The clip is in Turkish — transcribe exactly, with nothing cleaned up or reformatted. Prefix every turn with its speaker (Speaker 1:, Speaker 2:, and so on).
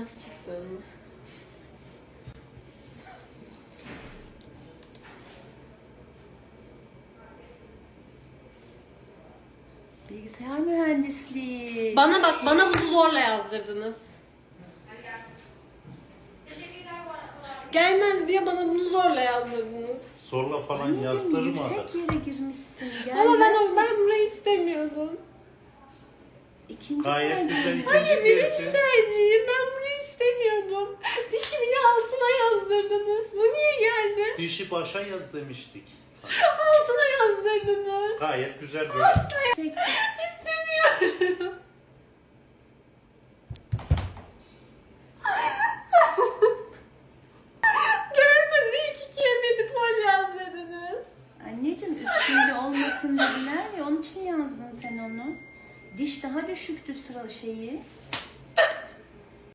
Speaker 1: nasıl çıktığını.
Speaker 2: Bilgisayar mühendisliği.
Speaker 1: Bana bak, bana bunu zorla yazdırdınız. Gelmez diye bana bunu zorla yazdırdınız.
Speaker 3: Zorla falan
Speaker 2: Anneciğim
Speaker 3: yazdırmadı.
Speaker 2: yüksek yere girmişsin.
Speaker 1: Ama ben
Speaker 2: Gelmez.
Speaker 1: o ben burayı istemiyordum.
Speaker 2: İkinci
Speaker 3: Gayet
Speaker 2: tercih.
Speaker 3: güzel ikinci
Speaker 1: Hayır, birinci
Speaker 3: tercih.
Speaker 1: tercihim. Ben burayı istemiyordum. Dişimin altına yazdırdınız. Bu niye geldi?
Speaker 3: Dişi başa yaz demiştik sana.
Speaker 1: Altına yazdırdınız.
Speaker 3: Gayet güzel böyle.
Speaker 2: Yüksek-
Speaker 1: İstemiyorum. Gelmedi. İlk ikiye medipol yazdırdınız.
Speaker 2: Anneciğim üstünde olmasın dediler ya, onun için yazdın sen onu. Diş daha düşüktü sıra şeyi.